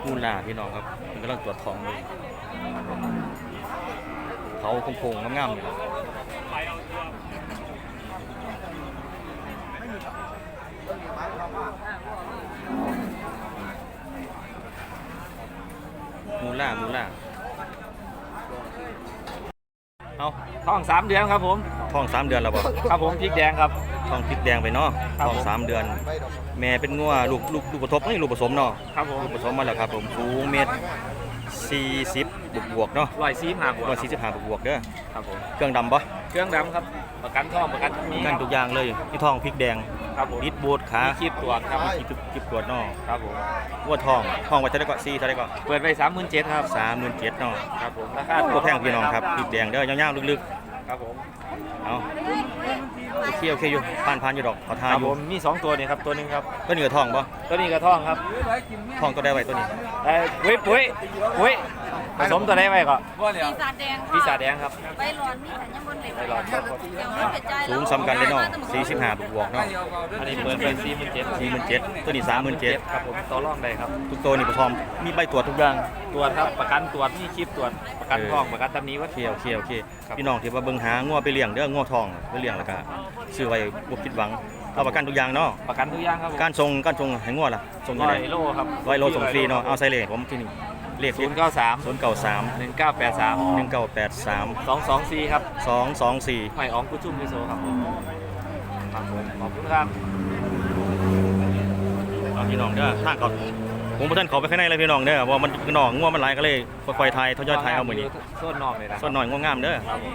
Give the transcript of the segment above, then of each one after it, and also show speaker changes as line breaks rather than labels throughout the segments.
มูลาพี่น้องครับมันกำลังตรวจทองเลยเขาโค้งๆงามๆอยู่มูลาเอา
ท้อง3 เดือนครับผม
ทอง3 เดือนแล้วบ่
ครับผมพริกแดงครับ
ทองพริกแดงไปเนาะ
ครับ
ทอง3 เดือน แม่เป็นงัวลูกผสมนี่ลูกผสมเนาะ
ครับผม
ลูกผสมมาแล้วครับผมสูงเมตร40บวกๆเนาะ
145 บวก
145บวกๆเด้อ
ครับผม
เครื่องดำปะ
เครื่องดำครับประกันท่องประกันมี
กันทุกอย่างเลยที่ทองพริกแดง
ครับผม
นิดบูดขา
มีคลิปตรวจครับ
คลิปตรวจเนาะ
ครับผม
วัวทองไว้เท่าไหร่ก็4เท่าไหร่ก็
เปิดไป37,000ครับ
37,000เนาะ
ครับผมราคา
ตัวแพงพี่น้องครับพริกแดงเด้อยาวๆลึก
ครับผม
ๆเอาโอเคอยู่ผ่านอยู่ดอกเขาทา
ครับ
อยู่
ผมมี2 ตัวนี่ครับตัวหนึงครับ
ตัวนี้ก็ทองปะ
ตัวนี้กระท่องครับ
ทองตัวได้ไว้ตัวนี้
ปุ้ยผสมตัวได้ไว้ก็
ปีศาจแดงค่ะ
ปีศาจแดงครับ
ใบหลอนมีแต่ยังบนเหล็ก
ใบหลอนครับ
เดี๋ยวมันเป็นใจ
สูงซ้ำกันเลยเนาะ45บวกๆเนาะ
อันนี้เปิดไป47,000
47,000ตัวนี้37,000
ครับผมต่อรองได้ครับ
ทุกตัวนี่พร้อมมีใบตรวจทุกอย่าง
ตรวจครับประกันตรวจมีคลิปตรวจประกันท่องประกันตำหนี้วัด
โอเคพี่น้องที่ว่าเบิ่งหางัวไปเลี้ยงเด้องัวทองไปเลี้ยงแล้วก็ซื้อไว้บ่ผิดหวังเอาประกันทุกอย่างเนาะ
ประกันทุกอย่างครับผม
การส่งให้งัวล่ะส่งยังไง
100 โลครับ
100 โลส่งฟรีเนาะเอาใส่เลขผมที่นี่เลข
093
093
1983
1983
224ครับ
224
หอยอ๋องกุชุ่มพิโซครับผมครับผมขอบคุณครับ
เอาพี่น้องเด้อทางเขาผมบ่ทันเข้าไปข้างในเลยพี่น้องเด้อเพราะมันน้องงัวมันหลายก็เลยค่อยๆทยอยเอามื้อนี้
ส่วนนอกเลยนะ
ส่วนหน่อยงัวงามเด้อ
ครับผม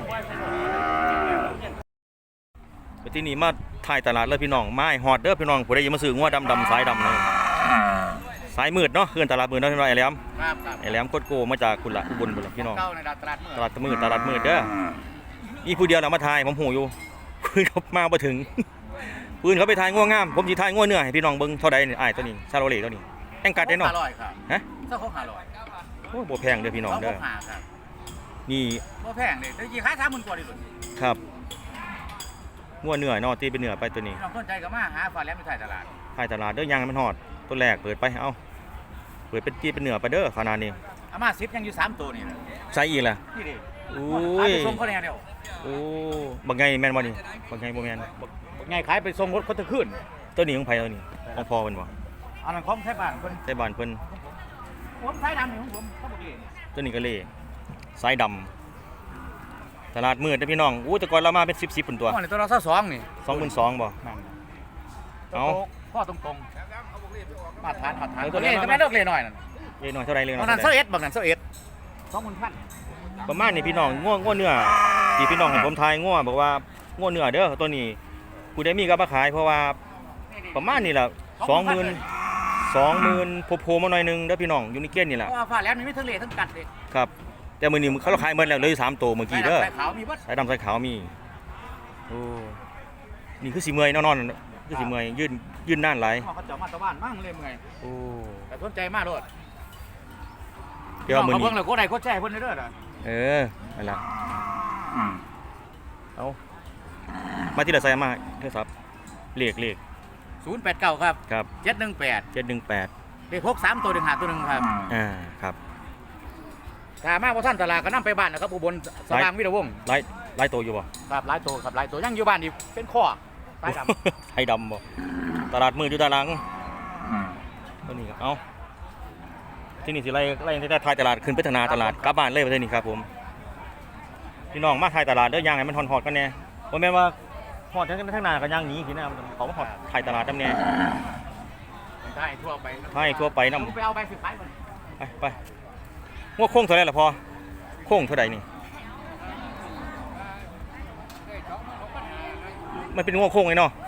ไปที่นี่มาถ่ายตลาดเลยพี่น้องไม้ฮอดเด้อพี่น้องผู้ใดอยากมาซื้องัวดำสายดำเลยสายมืดเนาะเฮือนตลาดมืดเนาะพี่น้องไอ้แหลม
ครับ
ไอ้แหลมโคตรโกมาจากกุละอุบลพุ่นล่ะพี่น้อง
เก้าในตลาดเมื่อ
ตลาดมืดเด้อมีผู้เดียวเรามาถ่ายผมหูอยู่ปืนเขามาบ่ถึงปืนเขาไปถ่ายงัวงามผมสิถ่ายงัวเนื้อให้พี่น้องเบิ่งเท่าใดนี่อ้ายตัวนี้ซาโรเล่ตัวนี้แองกัดได้เนาะ
500ครับ
ฮะ
เจ้าของ500
โอ้บ่แพงเด้อพี่น้องเด้อ
หาครับ
นี่
บ่แพงเลยได้กี่ขาย30,000กว่าดิลุน
ครับงัวเนื้อเนาะตีเป็นเนื้อไปตัวนี้
พี่น้องสนใจก็มาหาฟ้าแหลมอยู่ท้ายตลาด
ถ่ายตลาดเด้อยางให้มันฮอดตัวแรกเปิดไปเอาเปิดเป็นตีเป็นเนื้อไปเด้อขนาดนี้
เอามา10ยังอยู่3ตัวนี่นะ
ใส่อีกล่ะ
นี่ดิ
อุ้
ขาย
ย
ไปส่งเขาแนวเดียว
โอ้บักไงแม่นบ่นี่บักไงบ่แม่น
ไงขายไปส่งรถคนตะขึ้น
ตัวนี้ของไผตัวนี้ของพ่อเพิ่นบ่
อันนั้นของไทยบ้านเพิ่น
ใส่บ้านเพิ่น
ผมสายดำนี่ของผมเขาบอกเอง
ตัวนี้ก็เล่สายดำตลาดมืดเด้อพี่น้องอู้แต่ก่อนเรามาเป็น10พุ่นตัว
อ๋อนี่ตัวเรา22นี่
22,000บ่
นั่น
เอา
พ่อตรงๆมาทานตัวนี้ก็ไม่เลิกเลยหน่อยนั่น
เลขน้อยเท่าไรเลขน้
ต
อ
อย นนั้น
เท่าไร
21บางนั้น21 20,000
ประมาณนี้พี่น้องง่วเนื้อที่พี่น้องเห็นผมทายง่วบอกว่าง่วเนื้อเด้อตัวนี้ผู้ใดมีก็มาขายเพราะว่าประมาณนี้ล่ะ20,000โผล่ๆมาหน่อยนึงเด้อพี่น้องอยู่ในเกณฑ์นี่
เพ
ล่ะ
ราะว่าฟ้าแหลมนี่มีทั้งเละทั้งกัดเลย
ครับแต่มื้อนี้เขาขายหมดแล้วเหลย3ตัวเมื่อกี้เด้อ
สายขาวมีเบิด
สายดำสายขาวมีโอ้นี่คือสิเมื่อยนอนๆคือสิเมื่อยยืนนานหลาย
เขาเจาะมาตะวันมั่งเลยมึงไง
โอ้
แต่สนใจมากโลด
เดี๋ยวมื้อ
เขา
นี้
เพิ่งเลยโคตรใดโคตรแจ้เพิ่นเด้อน่ะ
นั่นล่ะเอามาที่ละไซมาโทรศัพท์เลข
089ครับ
ครับ
718
718
เลข63ตัว1 5ตัว1ครับ
ครับ
ถ้ามาบ่ทันตลาดก็นำไปบ้านนะครับอุบลสว่างวิทยาวงศ์
ไล่ตัวอยู่บ่
ครับหลายตัวครับหลายตัวยังอยู่บ้านนี่เป็นข้อสายดำ
ไทยดำบ่ตลาดมืดอยู่ด้านหลังตัวนี้ครับเอาที่นี่สิไล่ที่ได้ทายตลาดขึ้นไปทางนาตลาดกลับบ้านเลยประเทศนี้ครับผมพี่น้องมาทายตลาดเด้อย่างให้มันฮอดๆกันแน่บ่แม่นว่าฮอดทางนาก็ย่างหนีสินะเขามาฮอดทายตลาดนำแน่
ได้ทั่วไป
ทายทั่วไปนำ
ผมไปเอาไปสิขายมัน
ไปงวโค้งเท่าไหร่ล่ะพอโค้งเท่าไหร่นี่มันเป็นงวโค้งไงเนาะ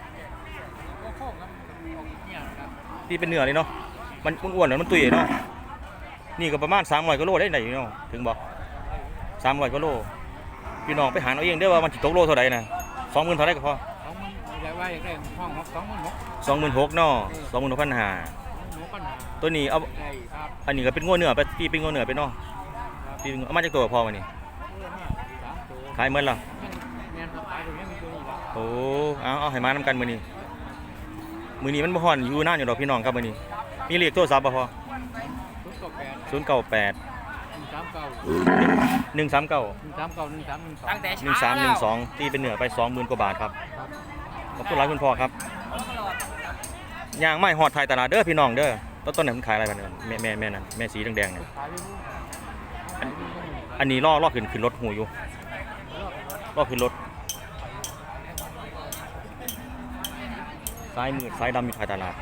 ที่เป็นเนื้อเลยเนาะมันอ้วนๆแล้วมันตุยเนาะนี่ก็ประมาณ300 กิโลได้ไหนเนาะถึงบอก300 กิโลพี่น้องไปหาเอาเองเด้อว่ามันสิตกโลเท่าใดน่ะ20,000เท่าใดก็พอ
อยากว่าอยากได้ห้อง26,000
26,000เนาะ26,500ตัวนี้เอา
ได้ครับ
อันนี้ก็เป็นงัวเนื้อไปพี่เป็นงัวเนื้อไปเนาะพี่เอามาจากตัวพอมานี่ขายหมดแล้ว
แม่นครับขายตรงนี้มีตัวนี้ละ
โอ้เอาให้มานำกันมื้อนี้มันบ่ฮ้อนอยู่นานอยู่ดอกพี่น้องครับมื้อนี้มีเลขโทรศัพท์บ่พอ
ม
ตั้งแต่เช้า
1312ตีเป็นเหนือไป 20,000 กว่าบาทครับขอบคุณหลายคุณพ่อครับย่างไม้หอดไทยตลาดเด้อพี่น้องเด้อต้นไหนมันขายอะไรกันแม่นั่นแม่สีแดงๆเนี่ยอันนี้ล่อขึ้นรถหูอยู่ล่อขึ้นรถซ้ายมือซ้ายดำอยู่ไทยตลาด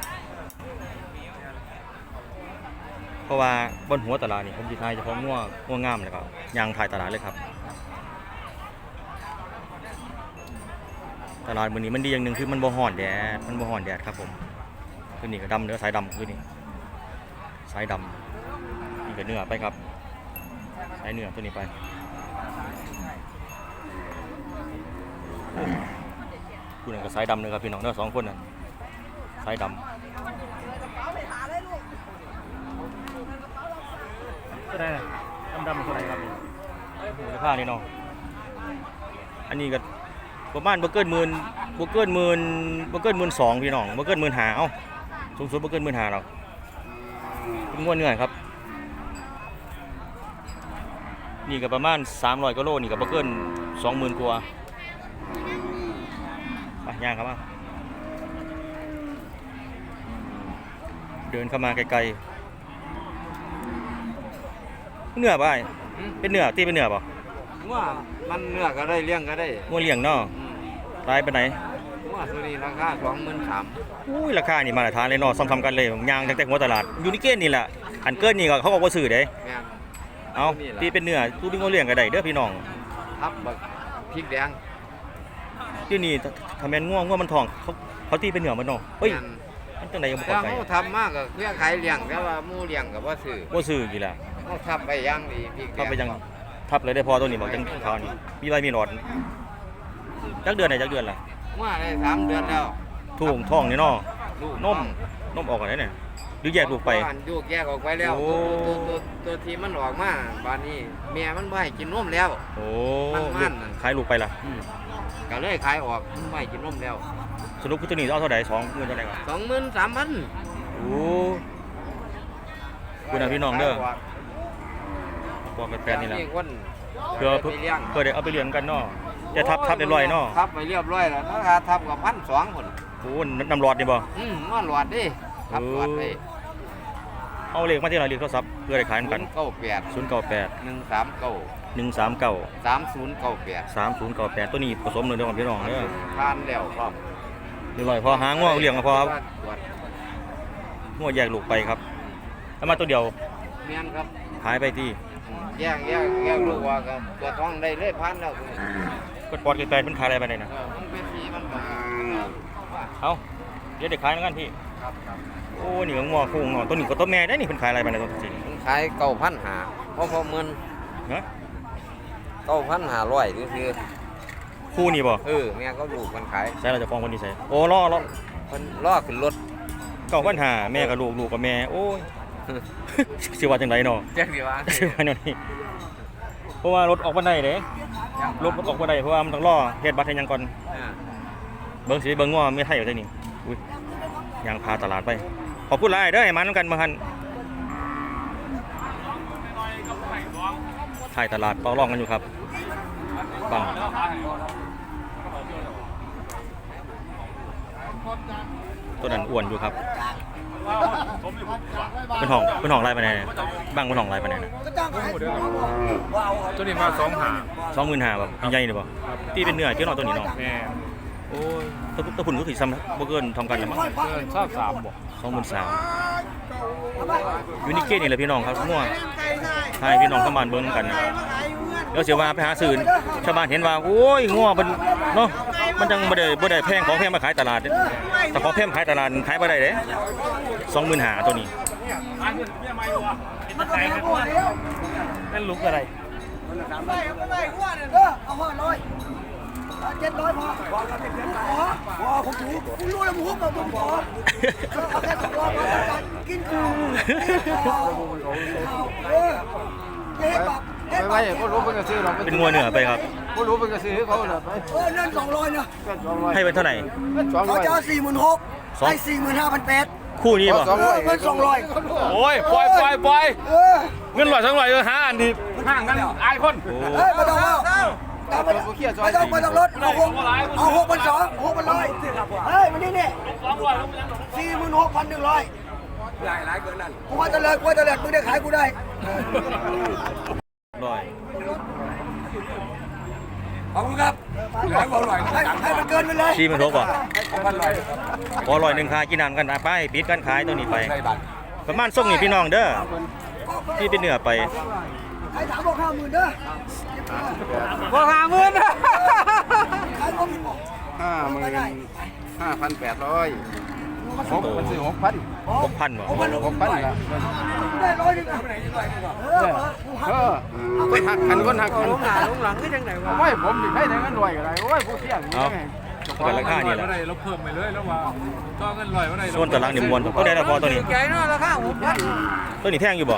เพราะว่าบนหัวตลาดนี่ผมสิทายเฉพาะง่วงงามเลยครับยางไทยตลาดเลยครับตลาดมื้อนี้มันดีอย่างหนึ่งคือมันบ่ฮ้อนแดดครับผมคือนี่ก็ดำเนื้อสายดำคือนี่สายดำนี่ก็เนื้อไปครับสายเนื้อตัวนี้ไปคุณนั่นก็สายดำเลยครับพี่น้องเนื้อ2 คนน่ะสายดำก็ได้ดำๆเท่าไหร่ครับมูลค่านี่เนาะอันนี้ก็ประมาณบ่เกิน 12,000พี่น้องบ่เกิน 15,000เอ้าสูงสุดบ่เกิน 15,000หรอกเป็นงวดเนื้อครับนี่ก็ประมาณ300กว่าโลนี่ก็บ่เกิน 20,000 กว่าไปย่างครับมาเดินเข้ามาไกลๆเนื้อบ่เป็นเนื้อตีเป็นเนื้อบ่
ว่ามันเนื้อก็ได้เลี้ยงก็ได้
งัวเลี้ยงเนาะรายไปไหน
ว่าตัวนี้ราคา23,000
อุ้ยราคานี่มาตรฐานเลยเนาะซ้ำๆกันเลยย่างตั้งแต่หัวตลาดอยู่ในเกณฑ์นี่แหละอันเกินนี่ก็เขาก็บ่ซื้อเด้
แม่น
เอาตีเป็นเนื้อตู้เป็นงัวเลี้ยงก็ได้เด้อพี่น้อง
ทับบักพริกแดง
ที่นี่ถ้าแม่นงัวมันทองเขาตีเป็นเนื้อมันเนาะเฮ้ย
แม่น
มันจังไดยังบ่
แต่
เข้าใจ
เขาทำมากก็เพื่อขายเลี้ยงแต่ว่าหมู่เลี้ยงก็บ่ซื้อ
บ่ซื้อกี่ล่ะ
เขาทับไปอย่างดีพริกแดง
ทับไปยังทับเลยได้พอตัวนี้บอกจังขาวนี่มีใบมีหลอดจักเดือนไหนจักเดือนล่ะ
ว่าได้3 เดือนแล้ว
ทุ่งท้องนี่เนาะ
ลูก
นมออกกันได้เนี่ยหรือแยกลูกไป
บ้านลูกแยกออกไปแล้ว
โอ้
ตัวที่มันออกมาบ้านนี้แม่มันบ่ให้กินนมแล้ว
โอ้
มันนั่น
ขายลูกไปล่ะ
ก็เลยขายออกมันบ่ให้กินนมแล้ว
สรุปคือตัวนี้เอาเท่าไหร่20,000เท่าไหร่ก่อน
23,000
โอ้คุณพี่น้องเด้อบอกกันแฟนนี่แหละ
คน
เพื่อ
ไปเลี้ยง
ได้เอาไปเลี้ยงกันเนาะจะทับเรียบร้อยเนาะ
ทับไปเรียบร้อยแล้วราคาทับกับ1,200 พุ่น
โอ้น้ำหลอดนี่บ่
นอนหลอดดิทับหลอดไป
เอาเลขมาที่ไหนเลขโทรศัพท์เพื่อได้ขายกัน
098
098
139
139
3098
3098ตัวนี้ผสมเลยเด้อพี่น้องเด้อ
ทานแล้วพร้อม
เรียบร้อยพอหาง้อเลี้ยงก็พอครับ
ตรวจ
ง้อแยกลูกไปครับแล้วมาตัวเดียว
แม่นครับ
ขายไปที่
แยกลูกว่าก็ตัวท้องได้เลยพันแล้วคือ
ก็ปอดกันไปมันขายอะไรไปไหนนะ
มันเป็นทีมันก็
เอาเดี๋ยวเด็กขายแล้วกันพี่
ครับ
โอ้นี่ก็ง้อคู่ง้อตัวนี้ก็ตัวแม่ได้นี่เพิ่นขายอะไรไปไหนตัวจริง
มันขาย9,500เพราะเงิน
ฮะ
9,500คือ
คู่นี่บ่
แม่ก็ลูกมันขาย
ใส่เราจะฟ้องคนนี้ใส่โอ้ล่อ
เพิ่นล่อขึ้นรถ
9,500แม่กับลูกกับแม่โอ้ย สิว่าจังไดเนาะ
แจ้งดีว่า
สิว่าแนวนี้เพราะว่ารถออกบ่ได้เด้รถมันออกบ่ได้เพราะว่ามันต้องรอเฮ็ดบัตรให้หยังก่อนเบิ่งสิเบิ่งว่ามีไทยอยู่ที่นี่อุ้ยยางพาตลาดไปขอบคุณหลายเด้อให้มานำกันมาหั่นถ่ายตลาดต่อรองกันอยู่ครับฟังตัวนั้นอ้วนอยู่ครับเป็นห้องไล่ไปไหนเนี่ยบ้างเป็นห้องไล่ไปไหนเนี่ย
ตัวนี้มา
25,000แบบใหญ่ๆนี่บ่ตีเป็นเนื้อที่นอนตัวนี้เนาะ
แม่
โอ้ยตะพุ่นก็คือซ้ำบ่เกินทำกันแล้วมั้ง
เกินชอบ3บ่
23,000อยู่นี่เกตนี่แหละพี่น้องครับมั่วให้พี่น้องเข้ามาเบิ่งกันนะเดี๋ยวเสียว่าไปหาซื้อชาวบ้านเห็นว่าโอ้ยงัวมันเนาะมันจังบ่ได้แพงของแพงมาขายตลาดแต่ของแพงขายตลาดขายบ่ได้เด้25,000ตัวนี้
นั่นลุกอะไร
700พอผมถูกคุณรู้แล้วผมขอเอาแค่200กินกู
ไม่ก็รู้เพิ่นก็ซื้อเรา
เป็นงัวเนื้อไปครับ
ก็รู้เพิ่นก็ซื้อเขาเลยไป
เงิน200นะ
ให้เป็นเท่าไหร่
เขาจะเอา46,000ให้45,800
คู่นี้บ่
เงิน200
โอ้ยปล่อย
เออ
เงิน100 200หาอันนี้ห่างกันอายคน
โอ้
เฮ้ยไม่ต้องเอาไม่ต้องลดเอา6,200เฮ้ยมันนี่46,100หลายเกินนั่นกูว่าจะเลิกมึงได้ขายกูได้
ร้อย
ขอบคุณครับให้มันเกินไปเลย
4มันทบบ่พอ100ค่ากินน้ำกันไปปิดการขายตัวนี้ไปประมาณส่งนี่พี่น้องเด้อที่เป็นเนื้อไป
ใครถามบอก50,000เด้อ
บอก50,000นะ
ขายบ่มีบอก
55,800มันซื้อ6,000
6,000บ่
6,000ได้100นึงอ่ะ
คนหักกันลงหลังคือจังได๋วะโอ้ยผมสิให้ได้เงินรวยก็ได้โอ้ยผู้เที่ยงนี่
เอาเป็นราคานี่แหละ
เราเพิ่มไปเลยแล้วว่าต่อเงินลอยว่าไร
ส่วนตารางนี่มวนตัวใดละพอตัวนี้
ใจเนาะราคา6,000
ตัวนี้แท่งอยู่บ่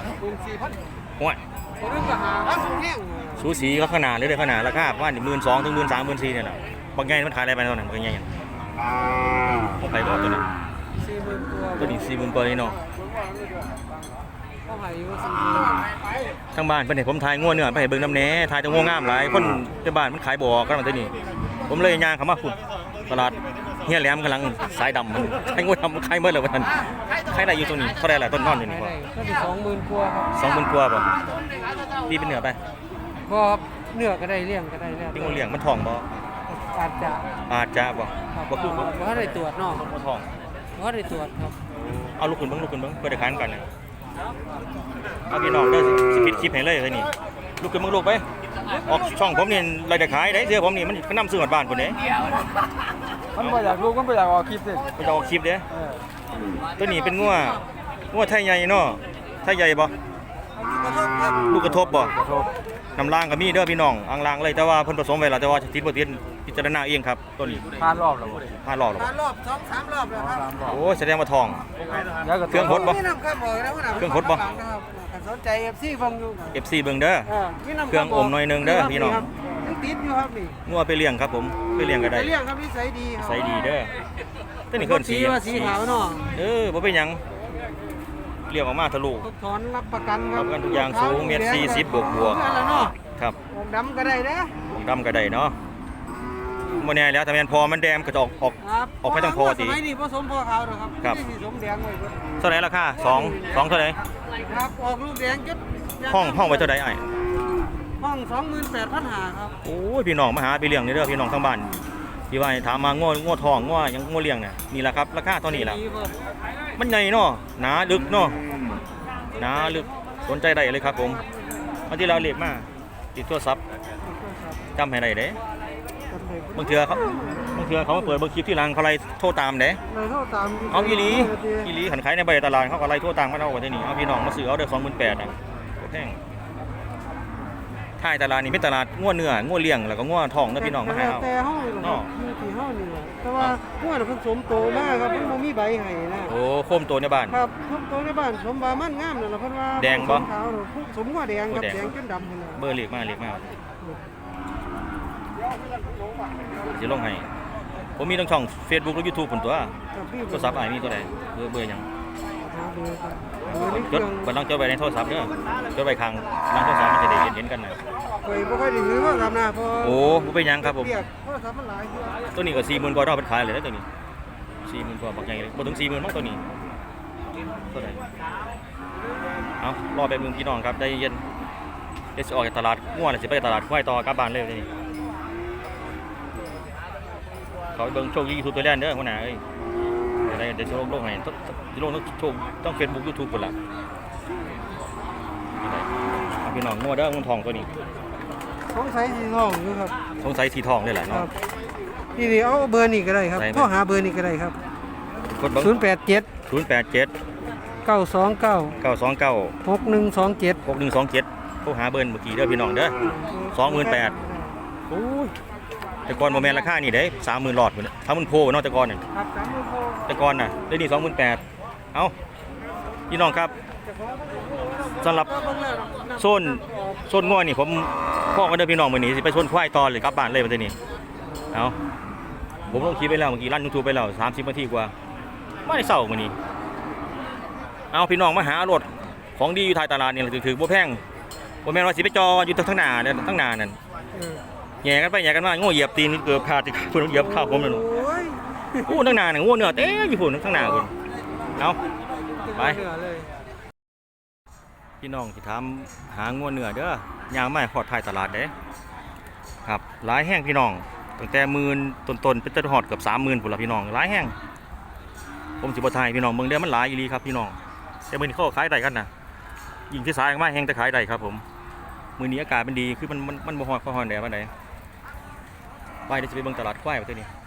4,000
ห้วย
คนนึงก็หาแห้ง
สูสีก็ขนาดเลยเด้อขนาดราคาประมาณ12,000ถึง13,000 14,000เนี่ยแหละบางใหญ่มันขายอะไรไปเท่านั้นบางใหญ่ผมไปบอกตัวนี้
40,000
ตัวนี้40,000กว่านี่เนาะ
เขาให้อยู่
ทางบ้านเพิ่นให้ผมถ่ายงัวเนื้อไปให้เบิ่งน้ำแหน่ถ่ายแต่งัวงามหลายคนในบ้านมันขายบ่อกันมาตัวนี้ ผมเลยย่างเข้ามาพุ่นตลาดเฮียแหลมกำลังสายดำมันใช้งัวดำขายหมดแล้วว่าท่านขายได้อยู่ตรงนี้เท่าไหร่ล่ะต้นนอนอยู่นี่
40,000
บ่
ก็สิ20,000กว่าครับ
20,000กว่าบ่พี่เป็นเนื้อไป
บ่เนื้อก็ได้เลี้ยงก็ได้แล้ว
พี่งูเลี้ยงมันท้องบ่
อาจจะ
อาจจะบ่บ่คือ
บ่ได้ตรวจเนาะ
บ่ท้อง
บ่ได้ตรวจครับ
เอาลูกขึ้นเบิ่งเพื่อได้ขายกันน่ะเอาพี่น้องเด้อสิปิดคลิปให้เลยนี่ลูกขึ้นเบิ่งลูกไปออกช่องผมนี่รายได้ขายได้เสื้อผมนี่มันนำซื้อฮอดบ้านพุ่นเด้
มันบ่อยากรู้มันบ่อยากออกคลิปสิ
ไปออกคลิปเด้ตัวนี้เป็นงัวไทยใหญ่เนาะไทยใหญ่บ่ลูกกระทบบ่น้ำล่างก็มีเด้อพี่น้องอ่างล่างเลยแต่ว่าเพิ่นผสมไว้แล้วแต่ว่าติดบ่ติดพิจารณาเองครับตัวนี้
ผ่านรอบแล้วบ่
ผ่านรอบแล้ว
ผ่านรอบ2-3รอบแล้วครับ
โอ้แสดงว่าทอง เครื่องฮดบ่
มีน้ำข้ามบ่แล้วนะ
เครื่องฮดบ่
ครับสนใจ FC ฟังอยู่
FC เบิ่งเด้อ
มีน้ำ
เครื่องอมหน่อยหนึงเด้อพี่น้อง
ยังติดอยู่ครับนี่
งัวไปเลี้ยงครับผมไปเลี้ยงก็ได้
ไปเลี้ยงครับนิสัยดีครับ
ใส่ดีเด้อตัวนี้เพิ่นสี
ว่าสีขาวเนาะ
บ่เป็นหยังเลี้ยงออกมาทะลุ
ทุกถอนรับประกันครับ
รับประกันทุกอย่างสูงเมตร40บวก
นั่นแหละเนาะ
ครับ
ออกดำก็ได้เด้อ
ดำก็ได้เนาะบ่แน่แล้วถ้าแม่นพอมันแดงก็จะออก
ครับ
ออกไปทางพอติ
สมัยนี้ผสมพอขาวเด้อครับ
ครับ
ไม่ได้สมแดงไว้เบิด
เท่าไหร่ราคา2เท่าไหร่
ครับออกลูกแดงจุด
ห้องไว้เท่าไหร่อ้าย
ห้อง 28,500ครับ
โอ้ยพี่น้องมาหาไปเลี้ยงนี่เด้อพี่น้องทางบ้านที่ว่าให้ถามมางัวทองงัวหยังงัวเลี้ยงน่ะนี่ล่ะครับราคาเท่านี้ล่ะ
ดีครับ
มันใหญ่เนาะหนาลึกเนาะหนาลึกสนใจได้เลยครับผมเอาที่เราเรียกมาติดโทรศัพท์จำให้ได้เด้บางเทื่อเขามาเปิดเบางคลิปที่หลังเขาไล่โทรตามเด้
เลยโทรตาม
เอาอีหลีขันขายในใบตลาดเขาก็ไล่โทรตามกันเอาไว้ที่นี่เอาพี่น้องมาซื้อเอาเด้อ28,000อ่ะแพงท้ายตลาดนี่เป็นตลาดงัวเนื้องัวเลี้ยงแล้วก็งัวทองเด้อพี่น้องมาหาเอา
แต่เฮานี่
เนาะ
อยู่ที่เฮานี่แหละแต่ว่าหัวน่ะเพิ่นสมโตมากครับเพิ่นบ่มีใบให้นะ
โอ้โคมตัวในบ้าน
ครับสมโตในบ้านสมบามันงามนั่นล่ะเพิ่นว่า
แดงบ่
สมขาวน่ะสมหัวแดงครับ
หัวแดง
แดงจนดำพุ่นน่ะ
เบอร์เรียกมาสิลงให้ผมมีทั้งช่อง Facebook และ YouTube พุ่นตัว
ครับพี่
โทรศัพท์อ้ายมีตัวใดเบอร์หยัง
หาเบอร์ครับเบอร์ในเค
จ
รื่
ด
อง
บันลังจดไว้ในโทรศัพท์เด้อจดไว้ข้างหลังโทรศัพท์มันจะได้เห็นกันนะ
ข่อยบ่ค่อยได้ถือว่าครับนะเพราะ
โอ้บ่เป็นหยังครับผม
เรียกโทรศัพท์มันหลายเทื่อ
ตัวนี้ก็40,000กว่าดอกเป็นขายเลยนะตัวนี้40,000กว่าบักใหญ่เลยบ่ถึง40,000มั้งตัวนี้ตัวใดเอารอแป๊บนึงพี่น้องครับใจเย็นเดี๋ยวสิออกจากตลาดง่วนแล้วสิไปตลาดควายต่อกลับบ้านเลยเดี๋ยวนี้เขาไปเบิ่งโชคดี YouTube ตัวแรกเด้อหัวหน้าเอ้ยเดี๋ยวโลกให้สิลงโชคต้อง Facebook YouTube พุ่นล่ะเอาพี่น้องงัวเด้องัวทองตัวนี้
สงสัยสิน้องอยู่ครับ
สงสัยสีทองเลยแหละ
ค
เนาะ
รับนี่เอาเบอร์นี้ก็ได้ครับ
ได้ไหม
โทรหาเบอร์นี้ก็ได้ครับ
กดเบิ่ง
087
087
929
929
6127
6127โทรหาเบอร์เมื่อกี้เด้อพี่น้องเด้อ 28,000 โอ้ยแต่ก่อนบ่แม่นราคานี่เด้30,000หลอดพุ่นน่ะ30,000โพเนาะแต่ก่อนน่ะ
ครับ30,000โทร
แต่ก่อนน่ะเดี๋ยวนี้28,000เอ้าพี่น้องครับสำหรับโซนง่อยนี่ผมพ่อกันเด้อพี่น้องมื้อนี้สิไปโซนควายต่อเลยกลับบ้านเลยบัดนี้เอ้าผมลงคลิปไปแล้วเมื่อกี้ลั่น YouTube ไปแล้ว30นาทีกว่ามาได้เช้ามื้อนี้เอาพี่น้องมาหารถของดีอยู่ท้ายตลาดนี่ถือบ่แพงบ่แม่นว่าสิไปจออยู่ทั้งหน้าเนี่ยทั้งหน้านั่นแย่กันไปแย่กันมาโง่เหยียบตีนเกือบขาดเพิ่นเหยียบข้าวผมนั่นโอ้ทั้งหน้าน่ะโง่เนื้อเต็มอยู่พุ่นทั้งหน้าพุ่นเอาไปพี่น้องสิถามหางัวเนื้อเด้อย่างมาขอดท้ายตลาดเด้ครับหลายแห้งพี่น้องตั้งแต่10,000ต้นๆเป็นจนฮอดเกือบ30,000พุ่นล่ะพี่น้องหลายแห้งผมสิบ่ทายพี่น้องเบิ่งเด้อมันหลายอีหลีครับพี่น้องแต่มื้อนี้เขาขายได้กันนะยิ่งที่สายมาแห้งแต่ขายได้ครับผมมื้อนี้อากาศมันดีคือมันบ่ฮ้อนแดดปานใดไปเดี๋ยวจะไปเบิ่งตลาดควายประเทศนี้